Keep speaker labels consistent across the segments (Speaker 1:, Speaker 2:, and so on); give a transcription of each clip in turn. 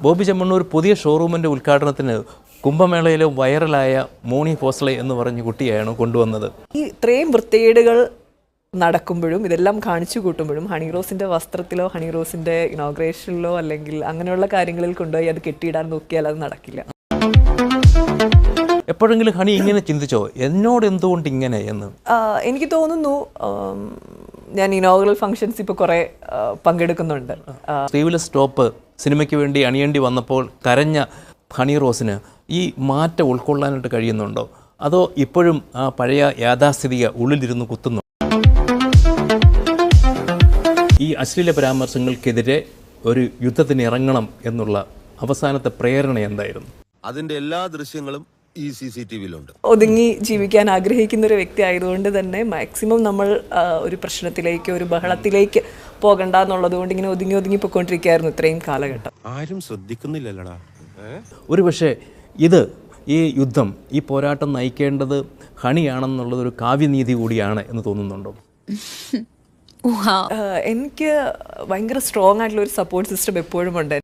Speaker 1: ബോബി ചെമ്മണ്ണൂർ പുതിയ ഷോറൂമിൻ്റെ ഉദ്ഘാടനത്തിന് കുംഭമേളയിലെ വൈറലായ മോണി ഫോസ്ലെ എന്ന് പറഞ്ഞ കുട്ടിയാണ് കൊണ്ടുവന്നത്.
Speaker 2: ഈ ഇത്രയും വൃത്തികേടുകൾ നടക്കുമ്പോഴും ഇതെല്ലാം കാണിച്ചു കൂട്ടുമ്പോഴും ഹണി റോസിൻ്റെ വസ്ത്രത്തിലോ ഹണി റോസിൻ്റെ ഇനോഗ്രേഷനിലോ അല്ലെങ്കിൽ അങ്ങനെയുള്ള കാര്യങ്ങളിൽ കൊണ്ടുപോയി അത് കെട്ടിയിടാൻ നോക്കിയാൽ അത് നടക്കില്ല.
Speaker 1: എപ്പോഴെങ്കിലും ഹണി ഇങ്ങനെ ചിന്തിച്ചോ, എന്നോട് എന്തുകൊണ്ട് ഇങ്ങനെ എന്ന്?
Speaker 2: എനിക്ക് തോന്നുന്നു ഞാൻ ഇനോഗ്രൽ ഫംഗ്ഷൻസ് ഇപ്പോൾ കുറേ പങ്കെടുക്കുന്നുണ്ട്.
Speaker 1: സ്ലീവ്ലെസ് ടോപ്പ് സിനിമയ്ക്ക് വേണ്ടി അണിയേണ്ടി വന്നപ്പോൾ കരഞ്ഞ ഹണി റോസിന് ഈ മാറ്റം ഉൾക്കൊള്ളാനായിട്ട് കഴിയുന്നുണ്ടോ, അതോ ഇപ്പോഴും ആ പഴയ യാഥാസ്ഥിതിക ഉള്ളിലിരുന്ന് കുത്തുന്നു? ഈ അശ്ലീല പരാമർശങ്ങൾക്കെതിരെ ഒരു യുദ്ധത്തിന് ഇറങ്ങണം എന്നുള്ള അവസാനത്തെ പ്രേരണ എന്തായിരുന്നു?
Speaker 3: അതിന്റെ എല്ലാ ദൃശ്യങ്ങളും ഈ CCTVയിലുണ്ട്.
Speaker 2: ഒതുങ്ങി ജീവിക്കാൻ ആഗ്രഹിക്കുന്ന ഒരു വ്യക്തി ആയതുകൊണ്ട് തന്നെ മാക്സിമം നമ്മൾ ഒരു പ്രശ്നത്തിലേക്ക് ഒരു ബഹളത്തിലേക്ക് പോകണ്ട എന്നുള്ളത് കൊണ്ട് ഇങ്ങനെ ഒതുങ്ങി പോയിക്കൊണ്ടിരിക്കുകയായിരുന്നു ഇത്രയും കാലഘട്ടം.
Speaker 3: ആരും ശ്രദ്ധിക്കുന്നില്ലല്ലടാ.
Speaker 1: ഒരു പക്ഷേ ഈ യുദ്ധം, ഈ പോരാട്ടം നയിക്കേണ്ടത് ഹണിയാണെന്നുള്ളതൊരു കാവ്യനീതി കൂടിയാണ് എന്ന് തോന്നുന്നുണ്ടോ?
Speaker 2: എനിക്ക് ഭയങ്കര സ്ട്രോങ് ആയിട്ടുള്ള ഒരു സപ്പോർട്ട് സിസ്റ്റം എപ്പോഴും ഉണ്ട്.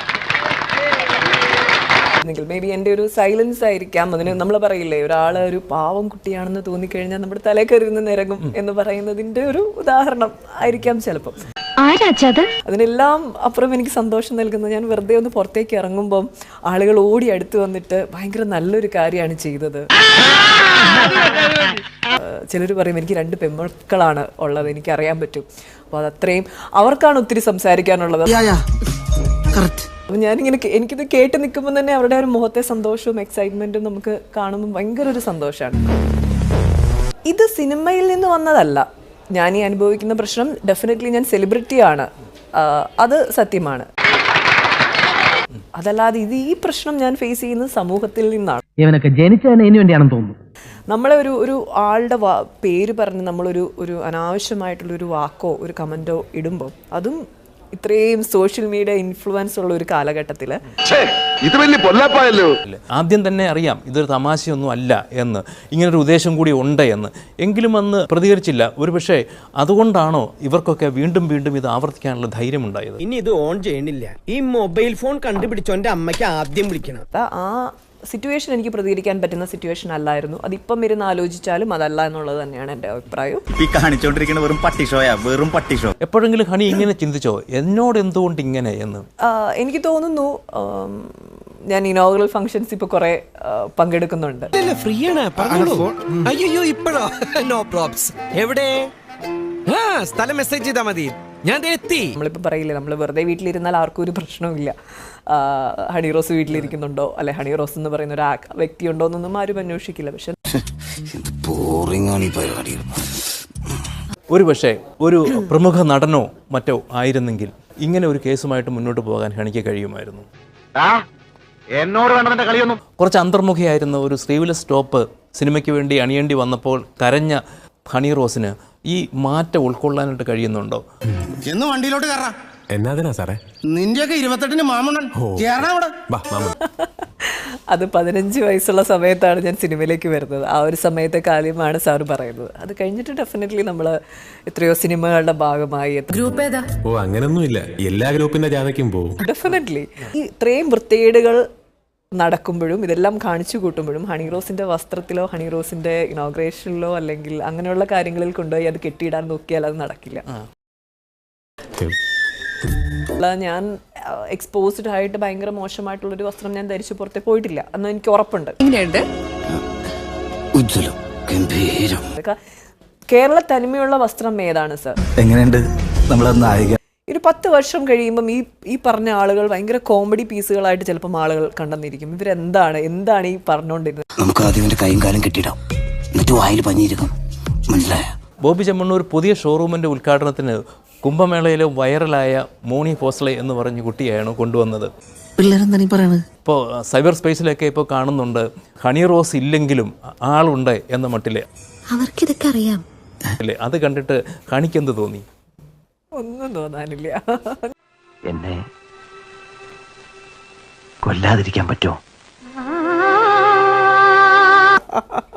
Speaker 2: മേ ബി എൻ്റെ ഒരു സൈലൻസ് ആയിരിക്കാം. അതിന് നമ്മൾ പറയില്ലേ, ഒരാൾ ഒരു പാവം കുട്ടിയാണെന്ന് തോന്നിക്കഴിഞ്ഞാൽ നമ്മുടെ തലയിൽ കയറി നിരങ്ങും എന്ന് പറയുന്നതിൻ്റെ ഒരു ഉദാഹരണം ആയിരിക്കാം ചിലപ്പം. അതിനെല്ലാം അപ്പുറം എനിക്ക് സന്തോഷം നൽകുന്നത്, ഞാൻ വെറുതെ ഒന്ന് പുറത്തേക്ക് ഇറങ്ങുമ്പം ആളുകൾ ഓടി അടുത്ത് വന്നിട്ട് ഭയങ്കര നല്ലൊരു കാര്യമാണ് ചെയ്തത്. ചിലർ പറയും എനിക്ക് 2 പെൺമക്കളാണ് ഉള്ളത്, എനിക്കറിയാൻ പറ്റും. അപ്പോൾ അതത്രയും അവർക്കാണ് ഒത്തിരി സംസാരിക്കാനുള്ളത്. അപ്പം എനിക്കിത് കേട്ട് നിൽക്കുമ്പോൾ തന്നെ അവരുടെ ഒരു മുഖത്തെ സന്തോഷവും എക്സൈറ്റ്മെൻറ്റും നമുക്ക് കാണുമ്പോൾ ഭയങ്കര ഒരു സന്തോഷമാണ്. ഇത് സിനിമയിൽ നിന്ന് വന്നതല്ല. ഞാൻ ഈ അനുഭവിക്കുന്ന പ്രശ്നം ഡെഫിനറ്റ്ലി ഞാൻ സെലിബ്രിറ്റിയാണ്, അത് സത്യമാണ്. അതല്ലാതെ ഈ പ്രശ്നം ഞാൻ ഫേസ് ചെയ്യുന്നത് സമൂഹത്തിൽ നിന്നാണ്.
Speaker 4: ഇവനൊക്കെ ജനിച്ചതിന് വേണ്ടിയാണെന്ന് തോന്നുന്നു.
Speaker 2: നമ്മളെ ഒരു ആളുടെ പേര് പറഞ്ഞ് നമ്മളൊരു അനാവശ്യമായിട്ടുള്ളൊരു വാക്കോ ഒരു കമൻറ്റോ ഇടുമ്പോൾ, അതും ഇത്രയും സോഷ്യൽ മീഡിയ ഇൻഫ്ലുവൻസ് ഉള്ള ഒരു കാലഘട്ടത്തിൽ
Speaker 1: ആദ്യം തന്നെ അറിയാം ഇതൊരു തമാശയൊന്നും അല്ല എന്ന്, ഇങ്ങനൊരു ഉദ്ദേശം കൂടി ഉണ്ട് എന്ന്. എങ്കിലും അന്ന് പ്രതികരിച്ചില്ല. ഒരുപക്ഷെ അതുകൊണ്ടാണോ ഇവർക്കൊക്കെ വീണ്ടും ഇത് ആവർത്തിക്കാനുള്ള ധൈര്യം ഉണ്ടായത്?
Speaker 5: ഇനി ഇത് ഓൺ ചെയ്യണില്ല, ഈ മൊബൈൽ ഫോൺ കണ്ടുപിടിച്ചോന്റെ അമ്മയ്ക്ക് ആദ്യം വിളിക്കണം.
Speaker 2: ആ സിറ്റുവേഷൻ എനിക്ക് പ്രതികരിക്കാൻ പറ്റുന്ന സിറ്റുവേഷൻ അല്ലായിരുന്നു. അതിപ്പം ഇരുന്ന് ആലോചിച്ചാലും അതല്ല എന്നുള്ളത് തന്നെയാണ് എൻ്റെ അഭിപ്രായം.
Speaker 1: എപ്പോഴെങ്കിലും ഹണി ഇങ്ങനെ ചിന്തിച്ചോ, എന്നോട് എന്തുകൊണ്ട് ഇങ്ങനെ എന്ന്?
Speaker 2: എനിക്ക് തോന്നുന്നു ഞാൻ ഇനോഗ്രൽ ഫംഗ്ഷൻസ് ഇപ്പോൾ കുറേ പങ്കെടുക്കുന്നുണ്ട്.
Speaker 5: ഫ്രീ ആണ്, അയ്യോ ഇപ്പോഴോ? No probs. എവിടെ സ്ഥലം മെസ്സേജ് ചെയ്താൽ മതി, ഞാൻ എത്തി.
Speaker 2: നമ്മളിപ്പോൾ പറയില്ലേ, നമ്മൾ വെറുതെ വീട്ടിലിരുന്നാൽ ആർക്കും ഒരു പ്രശ്നവുമില്ല. ഹണി റോസ് വീട്ടിലിരിക്കുന്നുണ്ടോ, അല്ലെ ഹണി റോസ് എന്ന് പറയുന്ന ഒരു വ്യക്തി ഉണ്ടോ എന്നൊന്നും ആരും അന്വേഷിക്കില്ല. പക്ഷെ
Speaker 1: ഒരുപക്ഷെ ഒരു പ്രമുഖ നടനോ മറ്റോ ആയിരുന്നെങ്കിൽ ഇങ്ങനെ ഒരു കേസുമായിട്ട് മുന്നോട്ട് പോകാൻ ഹണിക്ക് കഴിയുമായിരുന്നു. കുറച്ച് അന്തർമുഖിയായിരുന്ന ഒരു സ്ലീവ്ലെസ് ടോപ്പ് സിനിമയ്ക്ക് വേണ്ടി അണിയേണ്ടി വന്നപ്പോൾ കരഞ്ഞ ഹണി റോസിന് ഈ മാറ്റം ഉൾക്കൊള്ളാനായിട്ട് കഴിയുന്നുണ്ടോ?
Speaker 6: എന്ന് വണ്ടിയിലോട്ട് കയറാം.
Speaker 7: എന്നാ സാറേ
Speaker 6: നിന്റെയൊക്കെ 28-ന് മാമണ്ണൻ
Speaker 2: അത് 15 വയസ്സുള്ള സമയത്താണ് ഞാൻ സിനിമയിലേക്ക് വരുന്നത്. ആ ഒരു സമയത്തെ കാര്യമാണ് സാറ് പറയുന്നത്. അത് കഴിഞ്ഞിട്ട് ഡെഫിനറ്റ്ലി നമ്മൾ എത്രയോ സിനിമകളുടെ ഭാഗമായി.
Speaker 7: ഗ്രൂപ്പ് ഏതാ? ഓ അങ്ങനൊന്നുമില്ല, എല്ലാ ഗ്രൂപ്പിന്റെ ജാഥയ്ക്കും പോകും.
Speaker 2: ഡെഫിനറ്റ്ലി ഈ ഇത്രയും വൃത്തികേടുകൾ നടക്കുമ്പോഴും ഇതെല്ലാം കാണിച്ചു കൂട്ടുമ്പോഴും ഹണി റോസിൻ്റെ വസ്ത്രത്തിലോ ഹണി റോസിൻ്റെ ഇനോഗ്രേഷനിലോ അല്ലെങ്കിൽ അങ്ങനെയുള്ള കാര്യങ്ങളിൽ കൊണ്ടുപോയി അത് കെട്ടിയിടാൻ നോക്കിയാൽ അത് നടക്കില്ല. ഞാൻ എക്സ്പോസ്ഡ് ആയിട്ട് ഭയങ്കര മോശമായിട്ടുള്ളൊരു വസ്ത്രം ഞാൻ ധരിച്ചു പുറത്തെ പോയിട്ടില്ല എന്ന് എനിക്ക് ഉറപ്പുണ്ട്. കേരള തനിമയുള്ള വസ്ത്രം ഏതാണ് സർ?
Speaker 4: എങ്ങനെയുണ്ട്
Speaker 2: ഒരു 10 വർഷം കഴിയുമ്പം ഈ പറഞ്ഞ ആളുകൾ ഭയങ്കര കോമഡി പീസുകളായിട്ട് ചിലപ്പം ആളുകൾ കണ്ടെന്നിരിക്കും. ഇവരെന്താണ് ഈ പറഞ്ഞുകൊണ്ടിരുന്നത്?
Speaker 6: നമുക്ക് ആദ്യം കൈയും കാലം കെട്ടിടാം, എന്നിട്ട് വായിൽ പഞ്ഞിരിക്കും. മനസ്സിലായ?
Speaker 1: ബോബി ചെമ്മണ്ണൂർ പുതിയ ഷോറൂമിൻ്റെ ഉദ്ഘാടനത്തിന് കുംഭമേളയിലെ വൈറലായ മോണി ഫോസ്ലെ എന്ന് പറഞ്ഞ കുട്ടിയാണ് കൊണ്ടുവന്നത്. ഇപ്പോൾ സൈബർ സ്പേസിലൊക്കെ ഇപ്പോൾ കാണുന്നുണ്ട്, ഹണി റോസ് ഇല്ലെങ്കിലും ആളുണ്ട് എന്ന മട്ടിലെ.
Speaker 8: അവർക്കിതൊക്കെ അറിയാം.
Speaker 1: അത് കണ്ടിട്ട് ഹണിക്കെന്ത് തോന്നി?
Speaker 2: ഒന്നും തോന്നാനില്ല.
Speaker 4: എന്നെ കൊല്ലാതിരിക്കാൻ പറ്റുമോ?